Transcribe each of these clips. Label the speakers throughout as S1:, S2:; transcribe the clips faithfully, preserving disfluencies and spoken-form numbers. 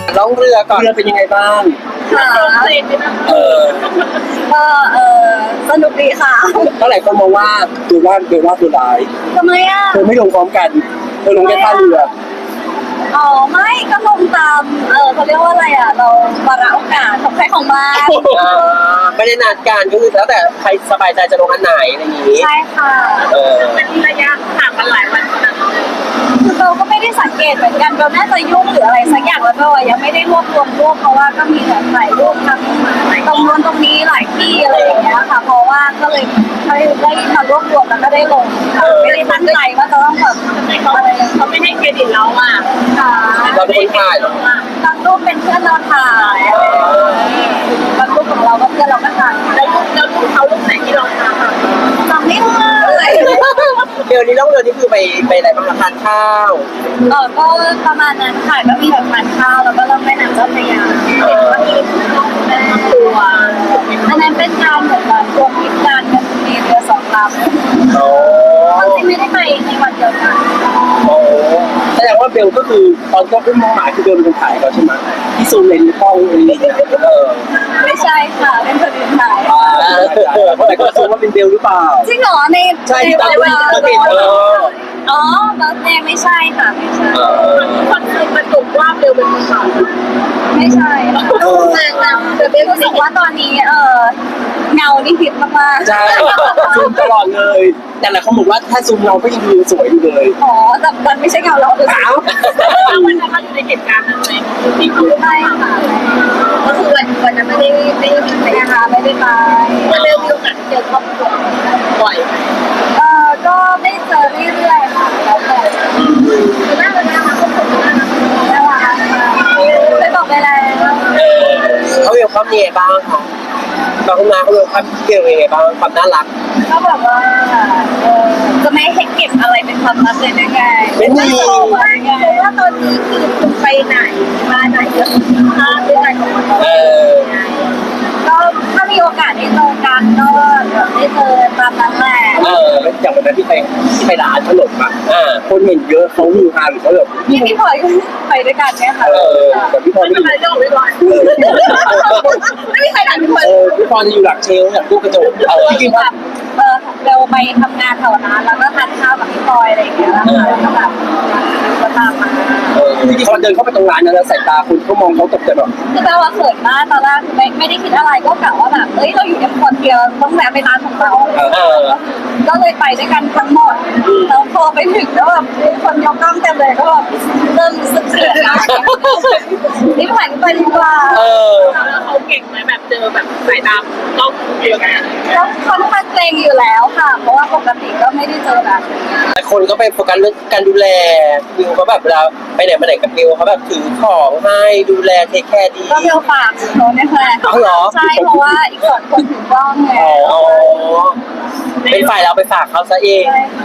S1: ล่องเรือก่อนเรือเป็นยังไงบ้าง
S2: ค่ะ
S1: เออ
S2: ก็เออสนุกดีค่ะ
S1: เท่าไหร่คนมองว่าดูว่าเบลว่าตัวร้าย
S2: ทำไมอ่ะ
S1: เธอไม่ลงพร้อมกันเธอลงแค่ท่าเรือ
S2: อ๋อไม่ก็ลงตามเออเขาเรียกว่าอะไรอ่ะเราวาระโอกาสของใครของมัน
S1: ไม่ได้นัดกันก็คือแล้วแต่ใครสบายใจจะลงอันไหนอะไรอย่างนี้
S2: ใช่ค่ะ
S1: เออ
S2: เป็นระยะห่างกันหลายวันคือเราก็ไม่ได้สังเกตเหมือนกันเราน่าจะยุ่งหรืออะไรสักอย่างแล้วก็ยังไม่ได้รวบรวมรูปเพราะว่าก็มีแบบถ่ายรูปทั้งตรงนู้นตรงนี้หลายที่อะไรอย่างเงี้ยค่ะเพราะว่าก็เลยได้มารวบรวมแล้วก็ได้ลงไม่ได้ตั้งใจว่าจะต้องแบบอะไรเขาไม่ให้เครดิตเราอ่ะค่ะ
S1: เราเป็นคนถ่ายหร
S2: บางรูปเป็นเพื่อนเราถ่ายบางรูปของเราก็เพื่อนเราก็ถ่ายแล้วรูปแล้วรูปเขารูปไหนที่เราถ่ายจำไม่ได้
S1: เดี๋ยวนี้ล่องเรือนี่คือไปไปอะไรบ้างทานข้าว
S2: เออก็ประมาณนั้นค่ะก็มีแบบทานข้าวแล้วก็ล่องแม่น้ำเจ้าพระยาก็มีแม่ตัวอันนั้นเป็นการเหมือนแบบรวมกิจการกันมีเรือสองลำ
S1: โอ้
S2: ที่ไม่ได้ไปในวันเดียวกัน
S1: โอ้แสดงว่าเบลก็คือตอนก็ขึ้นมองหมายคือเบลเป็นคนถ่ายเขาใช่ไหมที่ซูมเลนส์กล้องอะไรอย่างเงี้ยเออ
S2: ไม่ใช่ค่ะเป็นคนอื่นถ่าย
S1: แต่ก็ซูมว่าเป็นเบลหรือเปล่า
S2: จริงเหรอใน
S1: ใช่ที่ตอนที่เราเห็นเออ
S2: อ๋อเบลเต้ไม่ใช่ค่ะไม่ใช่คนเคยประจุว่าเบลเป็นคนถ่ายไม่ใช่แต่เบลรู้สึกว่าตอนนี้เออเงานี่ผิดมากๆ
S1: ใช่ซูมตลอดเลยแต่หลายคนบอกว่าถ้าซูมเราก็ยังดูสวยอยู่เลย
S2: อ๋อแต่มันไม่ใช่เงาเราเลย
S1: อ้าว
S2: วันนั้นมันอยู่ในเหตุการณ์อะไรที่เขาไม่ค่ะก็คือวันวันนั้นไม่ได้ไม่ได้ไปนะคะไม่ได้ไปวันเร็วมีโอกาสเจอครอบครัวบ่อยเออก็ได้เจอเรื่อยๆค่ะแล้วแต่คือน่ารักน่ารักทุกคนน่ารักน่ารักได้บอกไปแล้ว
S1: เขาเวลคัมยังไงบ้างคะบางคนมาเขาเวลคัมเกี่ยวยังไงบ้างความน่ารัก
S2: ก็แบบว่าจะไม่ให้เก็บอะไรเป็นความลับเลยนะไง
S1: ไม่มี
S2: ว่าตอนนี้คือคุณไปไหนมาไหนก็คือภาพด้วยกันของเราก็ถ้ามีโอกาสได้เจอกันก็ได้เจอตามนั้นแหละ
S1: เอออย่างวันนั้นที่ไปที่ไปร้านขนมอ่ะอ่าคนเห็นเยอะเขาฮือฮาหรือเขาแบบ
S2: พี่พี่พลอยก็ไปด้วยกันเนี่ยค่ะ
S1: เออแต่พี่พลอยไม่
S2: ได้จะออกไม่ได้ไม่มีใครถ่ายพี่พลอย
S1: เออพี่พลอยจะอยู่หลังเชลเนี่ยตู้กระจกเออจริงป่ะ
S2: เออเราไปทำงานแถวนั้นแล้วก็ทานข้าวกับพี่พลอยอะไรอย่างเงี้ยแล้วก็แบบก็ตามมา
S1: เออจริงๆพอเดินเข้าไปตรงร้านนั้นแล้วสายตาคุณเขามองเขาตกใจแบบ
S2: คือแปลว่าเขินมากตอนแรกไม่ไม่ได้คิดอะไรก็กะว่าแบบเอ้ยเราอยู่กันคนเดียวต้องแวะไปร้านของเราก็เลยไปด้วยกันทั้งหมดแล้วพอไปถึงแล้วแบบคนยกกล้องเต็มเลยก็แบบเริ่มรู้สึกเสียนะนี่ผ่านไปดีกว่า
S1: เออ
S2: แล้วเขาเก่งไหมแบบเจอแบบสายตาต้องเดียวกันก็ค่อนข้างเกรงอยู่แล้วค่ะเพราะว่าปกติก็ไม่ได้เจอแบบ
S1: แต่คนก็ไปโฟกัสเรื่องการดูแลบิวเขาแบบเวลาไปไหนมาไหนกับบิวเขาแบบถือของให้ดูแลเทคแคร์ดี
S2: ก็เบลฝากเขาเนี่ยแหละใช่เพราะว่าอีกสองคนถือกล้องไง
S1: อ๋อเป็นฝ่ายเราไปฝากเขาซะเอง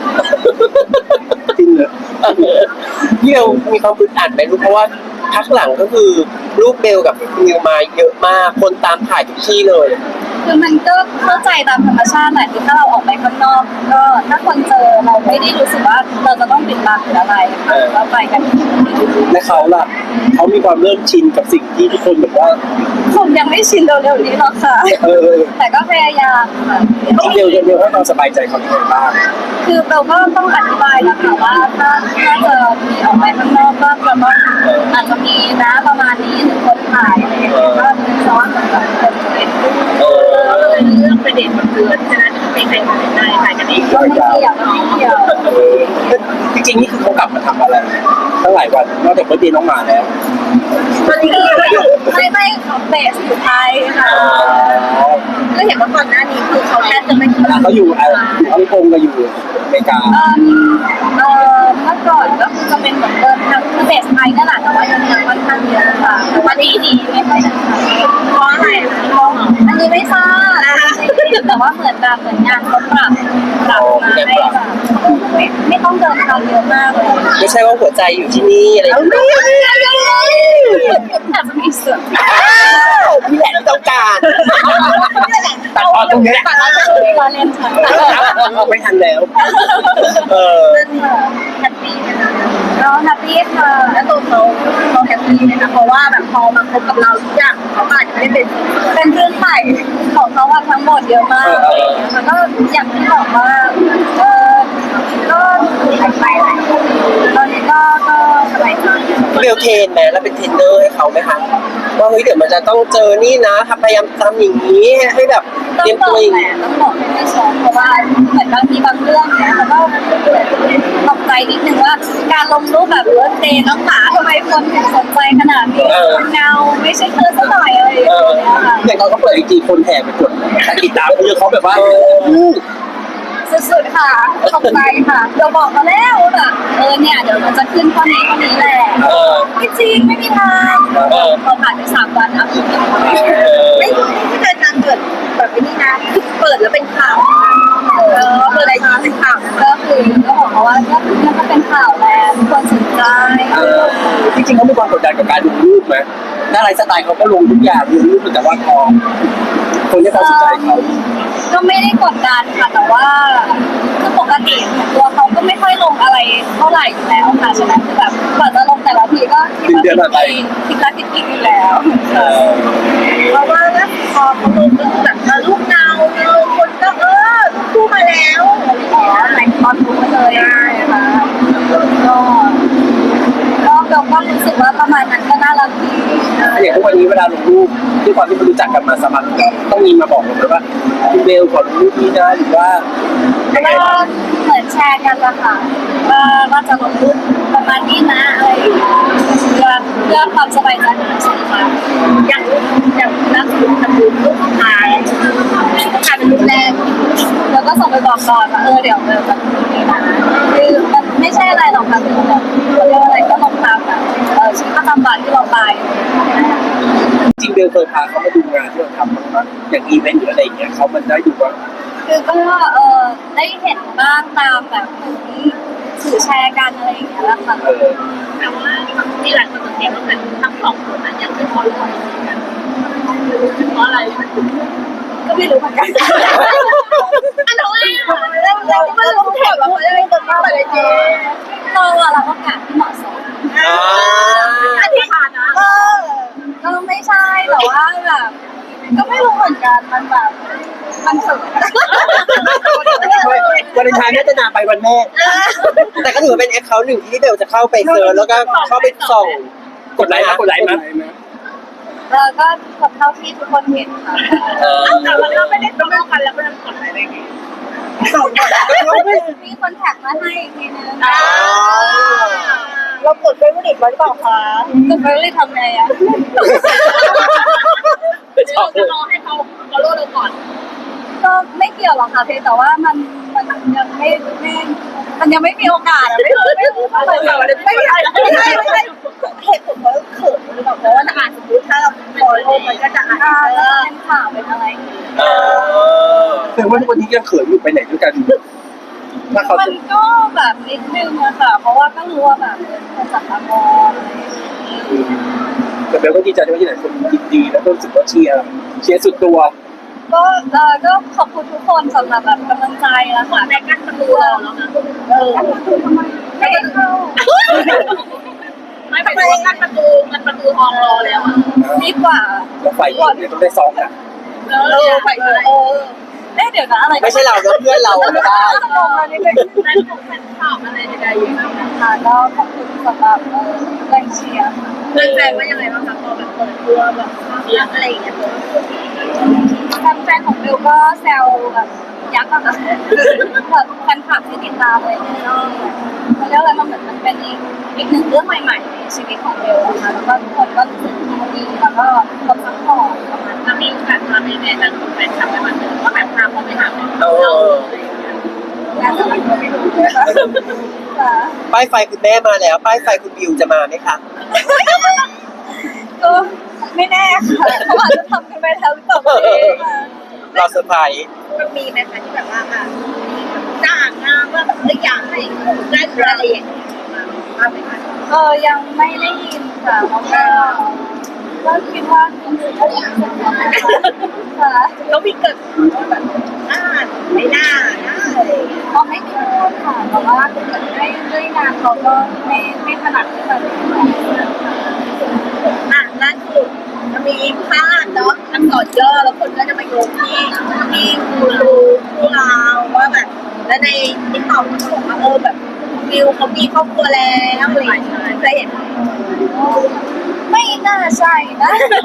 S1: จริงเหรอเบลมีความอึดอัดไหมลูกเพราะว่าพักหลังก็คือรูปเบลกับมิวมาเยอะมากคนตามถ่ายทุกที่เลย
S2: คือมันก็เข้าใจตามธรรมชาติแหละคือถ้าเราออกไปข้างนอกก็ถ้าคนเจอเราไม่ได้รู้สึกว่าเราจะต้องปิดบังหรืออะไรเราไปกัน
S1: และเขาล่ะเขามีความเริ่มชินกับสิ่งที่ทุกคนแบบว่า
S2: คงยังไม่ชินเร็วๆนี้หรอกค่ะแต่ก็พยายามค่ะ
S1: เดียวเดียวให้เราสบายใจเขาได้บ้าง
S2: คือเราก็ต้องอธิบายนะคะว่าถ้าถ้าจะมีออกไปข้างนอกก็จะต้องอาจจะมีนะประมาณนี้หรือคนถ่ายอะไรอย่างเงี้ยก็เป็นซ้อนกับคนเป็นเออเรื่องประเด็นมันเกิดฉะนั้นไม่ใครถ่ายได้ถ่ายกันเองก็ไม่เกี่ยวไม่เกี่ยว
S1: จริงๆนี่คือเขากลับมาทำอะไรตั้งหลายวันนอกจากเมื่อปีน้องมาแล้ว
S2: ตอนนี้ไม่ไม่เขาเบสอยู่ไทยค่ะก็เห็นว่าก่อนหน้านี้คือเขาแค่จะไม่
S1: เขาอยู่อะไรฮ่องกงกับอยู่อเมริกา
S2: เออเออเมื่อก่อนก็คือจะเป็นเหมือนเดิมทางคือเบสไทยนั่นแหละแต่ว่ายังยังค่อนข้างเยอะค่ะแต่ว่าดีดีไม่ค่อยจะเพราะอะไรอันนี้ไม่ทราบแต่ว่าเหมือนแบบเหมือนงานเขาปรับปรับมาให้แบบไม่ไม่ต้องเดินทางเยอะมากเลย
S1: ไม่ใช่ว่าหัวใจอยู่ที่นี่อะไรอย่างเงี้ย
S2: อาจจะมีเสื่อม
S1: นี่แหละที่ต้องการตัดออกตรงนี้
S2: ตัดออกตรงนี้เล่นฉัน
S1: ไม่ทันแล้วเออ
S2: แฮปปี้นะคะเราแฮปปี้ค่ะแล้วตัวเขาเขาแฮปปี้นี้นะคะเพราะว่าแบบพอมาคบกับเราทุกอย่างเขาอาจจะไม่ได้เป็นเป็นเรื่องใหม่ของเขาอะทั้งหมดเยอะมากอะไรอย่างเงี้ยมันก็อย่างที่บอกว่าเออก็หายไปหลายคนตอนนี้ก็ก็สบายใจ
S1: เบลเทรนไหมแล้วเป็นเทรนเนอร์ให้เขาไหมคะว่าเฮ้ยเดี๋ยวมันจะต้องเจอนี่นะทำพยายามทำอย่างนี้ให้แบบเต
S2: ต้อ
S1: รี
S2: ง
S1: ยม
S2: บ
S1: ตั
S2: อ
S1: ว
S2: ก
S1: เอง
S2: แหละต้องบอกให้ไม่ชอบเพราะว่าเหมือนบางทีบางเรื่องเนี่ยมันก็ตกใจนิดนึงว่าการลงรูปแบบเลิศเดย์น้องหมาทำไมคนถึงสนใจขนาดนี้เงาไม่ใช่เธอสักหน่อยอะไรอย่าง
S1: เออ
S2: เงี้ยค่ะ
S3: อย่างเขาก็เปิดไอจีคนแห่ไปกดติดตามเยอะเขาแบบว่าอู้
S2: สุดๆค่ะตกใจค่ะเราบอกมาแล้วว่าแบบเออเนี่ยเดี๋ยวมันจะขึ้นข้อนี้ข้อนี้แหละ
S1: เออ
S2: ไม่จริงไม่มีทาง
S1: เออ
S2: พอผ่านไปสามวันอ่ะ ไม่ไม่เคยการเปิดแบบนี้นะเปิดแล้วเป็นข่าวเออเปิดอะไรทีเป็นข่าวก็คือก็บอกเขาว่าก็มันก็เป็นข่าวแหละทุกคนสนใจ
S3: เออจริงๆเขามีความกดดันกับการลงรูปไหมหน้าไลฟ์สไตล์เขาก็ลงทุกอย่างลงรูปแต่ว่าพอคนที่เขาสนใจเขา
S2: ก็ไม่ได้กดดันค่ะแต่ว่าคือปกติตัวเขาก็ไม่ค่อยลงอะไรเท่าไหร่อยู่แล้วค่ะฉะนั้นคือแบบกว่าจะลงแต่ละทีก็คิดว่าผิดคิดละผิดผิดอยู่แล้ว
S3: เออ
S2: เพราะว่าแล้วพอเขาลงก็คือแบบลูกเงาเงาคนก็เออลูกคู่มาแล้วอ๋อแต่งตอนรู้มาเลยใช่ค่ะก็ก็เราก็รู้สึกว่าประมาณนั้นก็น่ารักดี
S3: อย่างทุกวันนี้เวลาลงรูปที่ความที่มันรู้จักกันมาสมัครต้องมีมาบอกเราไหมว่าคุณเบลขอลงรูปนี้นะหรือว่า
S2: ก็เหมือนแชร์กันละค่ะว่าว่าจะลงรูปประมาณนี้นะอะไรอย่างเงี้ยเพื่อเพื่อความสบายใจของเราสองคนอย่างอย่างนักศึกษาดูรูปของทายทายเป็นรูปแรกแล้วก็ส่งไปบอกก่อนว่าเออเดี๋ยวเดี๋ยวจะลงนี้นะคือมันไม่ใช่อะไรหรอกค่ะคือแบบเขาเรียกว่าอะไรก็ลงตามแบบเออชีวิตประจำวันที่เราไป
S3: จริงเบลเคยพาเขามาดูงานที่เราทำบ้างไหมอย่างอีเวนต์หรืออะไรอย่างเงี้ยเขามันได้ดูว่า
S2: คือก็เออได้เห็นบ้างตามแบบสื่อแชร์กันอะไรอย่างเงี้ยแหละค่ะ
S3: เออ
S2: แต่ว่าที่หลายคนสังเกตว่าเหมือนทั้งสองคนนั้นยังไม่พอรู้กันเพราะอะไรก็ไม่รู้เหมือนกันอันนั้นเราเราไม่รู้แถบเราไม่ได้ตัวมากเลยจริงเราอะเราก็กะที่เหมาะสม
S1: อ่า
S2: อธิษฐานนะเออก็ไม่ใช่แต่ว่าแบบก็ไม่รู้เหมือนกันมันแบบมันสุด
S3: วันเลนไทน์น่าจะนานไปวันแม่
S1: แต่ก็ถือว่าเป็นแอคเคาท์หนึ่งที่เบลจะเข้าไปเซิร์ชแล้วก็เข้าไปส่อง
S3: กดไลค์นะกดไลค์นะ
S2: แล้วก็กับเท่าที่ทุกคนเห็นค่ะ
S1: เออ
S2: แต่มันก็ไม่ได้ตรงกันแล้วมันกดอะไรได้ไงมีคนแท็กมาให้อีกทีนึง
S4: เรากดเฟซบุ๊กไว้หรือเปล่าคะ
S2: ก็ไม่รู้ทำไงอ่ะ
S3: ชอบเลย
S2: รอให้เขาเขาโลดเราก่อน ก็ไม่เกี่ยวหรอกค่ะเพียงแต่ว่ามันมันยังไม่ไม่มันยังไม่มีโอกาสอะไม่รู้ไม่รู้ไม่รู้ไม่ใช่ไม่ใช่ไม่ใช่
S4: เหตุผลเพราะเขินหรือเปล่าเพราะว่าอ่านสมมติถ้าเราฟอลโล่มันก็จะอ่าน
S2: อ่า
S4: เอ
S2: แล้ว
S4: อ
S2: เป็นข่าวเป็นอะไร
S1: เออ
S3: แต่ว่าทุกวันนี้ยังเขินอยู่ไปไหนด้วยกันถ้าเขา
S2: มันก็แบบนิดนึงอะค่ะ เพราะว่าก็รู้ว่าแบบเป็นคนจับตามองอะไรอย่างเงี้ย
S3: แต่เบลก็ดีใจที่ว่าที่ไหนคนยินดีแล้วก็รู้สึกว่าเชียร์เชียร์สุดตัว
S2: ก็เออก็ขอบคุณทุกคนสำหรับแบบกำลังใจแล้วค่ะแต่กั้นประตูเราแล้วนะเออไม่ได้เข้าไม่เป็นไรกั้นประตูมันประตูทองรอแล้วอ่ะดีกว่า
S3: แล้วไฟอีกเนี่ยต้องได้ซ้อมนะ
S2: เออไปเลยเออเอ๊ะเดี๋ยวนะอะไร
S1: ไม่ใช่เราแล้วเพื่อนเราก็ได้
S2: จะลงมานี่เป็นแฟนของแฟนข่าวอะไรใดๆอย่างเงี้ยค่ะก็ขอบคุณสำหรับเออแรงเชียร์ค่ะเพื่อนแฟนว่ายังไงบ้างคะพอแบบเปิดตัวแบบเสียงอะไรอย่างเงี้ยแฟนของเบลก็แซวแบบยักษ์อะค่ะแบบแฟนคลับที่ติดตามอะไรเนี่ยก็เขาเรียกอะไรมันเหมือนมันเป็นอีกอีกหนึ่งเรื่องใหม่ๆในชีวิตของเบลนะคะแล้วก็ทุกคนก็รู้สึกดีแล้วก็ขอบซัพพอร์ตประมาณนั้นมีโอกาสมาในแฟนของแฟนคลับในวันหนึ่งก็แบบพาเขาไปหาแฟน
S1: เออ
S2: งานอะไรก็ไม่รู้นะคะค่ะ
S1: ป้ายไฟคุณแม่มาแล้ว ป้ายไฟคุณบิวจะมาไหมคะ
S2: ก็ไม่แน่ค่ะเขาอาจจะทำกันไปแล้วหรือเปล่าไม่รู้ค่ะ
S1: รอเซอร์ไพรส์
S4: มันมีไหมคะที่แบบว่าอ่ะจ้างงานว่าแบบเอ้ยอยากให้เล่นอะไรอย่างเงี้ยมาไหมคะ
S2: เออยังไม่ได้ยินค่ะเพราะว่าก็คิดว่าคนอื่นก็อยากจะทำนะคะค่ะ
S4: แล้วมีเกิดว่าแบบน่าไม่น่านะอะไรอย่างเงี้ย
S2: เขาไม่ได้พูดค่ะแต่ว่าถ้าเกิดด้วยด้วยงานเขาก็ไม่ไม่ถนัดที่จะเรียนแบบค่ะ
S4: มันมีภาพเนาะอักษรย่อแล้วคนก็จะมาโยงที่ที่ครูครูเราว่าแบบแล้วในติ๊กต็อกมันบอกว่าเออแบบวิวเขามีครอบครัวแล้วอะไรอย่างเงี้ยเคยเห็นไหม
S2: ไม่น่าใช่นะ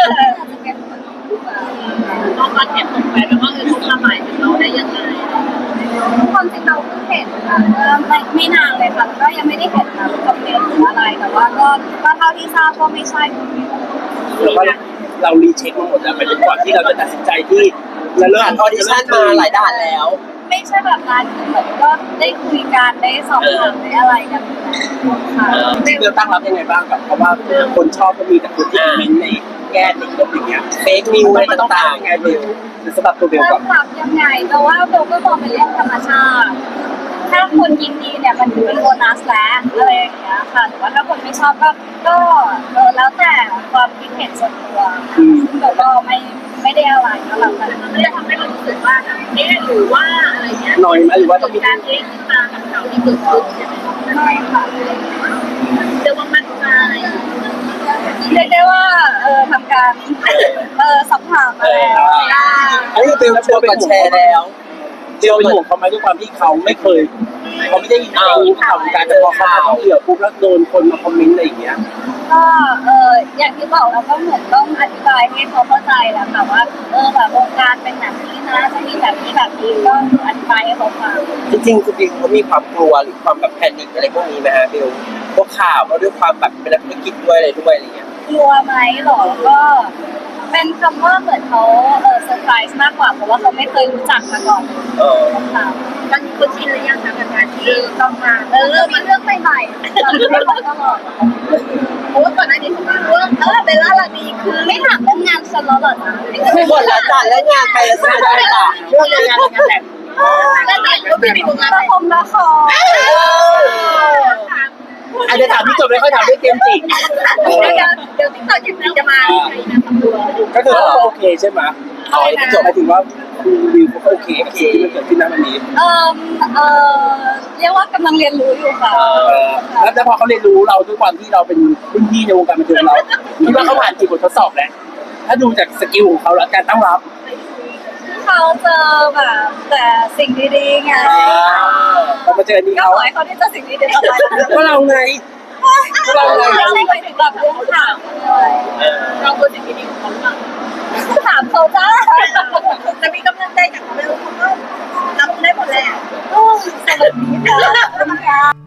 S4: ตอนตอนเห็นตกไปแบบว่าเออเขาทำหมายถึงเราได้ยังไง
S2: ความจริงเราเพิ่งเห็นค่ะเมื่อไม่ไม่นานเลยค่ะแล้วก็ยังไม่ได้เห็นนะคอมเมนต์หรืออะไรแต่ว่าก็ก็เท่าที่ทราบก็ไม่ใช่
S3: แล้วก็เรารีเช็คมาหมดแล้วไปจนก่อนที่เราจะตัดสินใจที่จะเริ่
S1: ผ่ามนออดิชั่นมาหลายด่านแล้ว
S2: ไม่ใช่แบบนั้นคือเหมือนก็ได้คุยกันได้สอบถามได้อะไรกันค่ะ
S3: จริงๆเราตั้งรับยังไงบ้างกับเพราะว่าคนชอบก็มีแต่คนที่คอมเมนต์ในแง่ติดลบอย่างเงี้ย
S1: เฟกนิวอะไร
S3: มันต้อง
S1: ต่าง
S3: ทำยังไงเบลหรือสำหรับตัวเบล
S2: เริ่
S3: ก่อ
S2: ม
S3: น
S2: ปรับยังไงแต่ว่าเบลก็มองเป็นเรื่องธรรมชาติ ถ้าคนยินดีเนี่ยมันถือเป็นโบนัสแล้วอะไรอย่างเงี้ยค่ะหรือว่าถ้าคนไม่ชอบก็ก็เออแล้วแต่ความคิดเห็นส่วนตัวซึ่งเบลก็ไม่ไม่ได้อะไรก็แล้วกัน
S4: มันจะทำให้เรารู้สึกว่าเอ๊ะหรือว่าอะไรเงี้ย
S3: หน่อยไหมหรือว่าต้องมี
S4: การเอ๊ะขึ้นมากับข่าวที่เกิดขึ้นใช่ไหม
S2: ไม่ค่ะ
S4: เรียกว่ามั่นใจ
S2: เรียกได้ว่าเออทำการเออสัมผัสอะไร
S1: ๆอันนี้คือเป็นชัวร์ก่อนแชร์แล้ว
S3: เบลเป็นห่วงเขาไหมด้วยความที่เขาไม่เคยเขาไม่ได้ยินข่าวการแต่พอเขามาท่องเที่ยวปุ๊บแล้วโดนคนมาคอมเมนต์อะไรอย่างเงี้ย
S2: ก็เอออย่างที่บอกเราก็เหมือนต้องอธิบายให้เขาเข้าใจแหละค่ะว่าเออแบบวงการเป็นแบบนี้นะจะมีแบบนี้แบบนี้ก็อธิบายให้เขาฟัง
S1: จริงๆคุณบิวเขามีความกลัวหรือความแบบแพนิคอะไรพวกนี้ไหมฮะบิวพวกข่าวเพราะด้วยความแบบเป็นนักธุรกิจด้วยอะไรด้วยอะไรเงี้ย
S2: กลัวไหมหรอก็เป็นคำว่าเหมือนเขาเออเซอร์ไพรส์มากกว่าเพราะว่าเขาไม่เคยรู้จักมาก่อน
S1: เออ
S2: ค่ะ
S4: ตอนนี้คุณชินหรือยังคะกับการที่ต้องมา
S2: เออมีเรื่องใหม่ๆเราไม่รู้ตลอด
S4: เพราะว่าก่อนหน้านี้ผมก็รู้ว่าเออเบลล่าลานีคือ
S2: ไม่ถามเรื่องงานฉันแล้วเหรอจ๊ะ
S1: หมดแล้วจ้ะแล้วงานใครจะซื้อได้จ้ะ
S3: เรื่องงานงานแต่ง
S4: แล้วแต่ก็คือมีผลงาน
S2: ละ
S4: อะไร
S2: ครละคร
S3: อาจจะถามที่จบไม่ค่อยถามด้วยเกมจริง
S4: เดี๋ยวเดี๋ยวติ๊กต็อกจะมีจะมาใครนะตำรวจ
S3: ก็คือเขาโอเคใช่ไหม
S1: เอาไอ้ที่จบ
S3: หมายถึงว่าคุณวิวเขาโอเคกับสิ่งที่มันเกิดขึ้นณวันนี้
S2: เออเออเรียกว่ากำลังเรียนรู้อยู่ค่ะ
S3: เออแล้วแล้วพอเขาเรียนรู้เราด้วยความที่เราเป็นรุ่นพี่ในวงการบันเทิงเราคิดว่าเขาผ่านกี่บททดสอบแล้วถ้าดูจากสกิลของเขาแล้วการตั้งรับ
S2: เขาเจอแบบแต่สิ่งดีๆไง
S3: พอมาเจอนี่
S2: ก็
S3: เขา
S2: ขอให้เขาได้เจอสิ่งดีๆต่อไป
S3: ก็เราไง
S2: เราเลยไม่ใช่ไปถึงแบบเรื่องข่าวเลย
S4: เราควรสิ่งที่ดีของเขาหรือเปล่า
S2: ถามเขาจ้า
S4: จะมีกำลังใจจากเบลเขาก็รับได้หมดแหละ
S2: สวัสดีค่ะ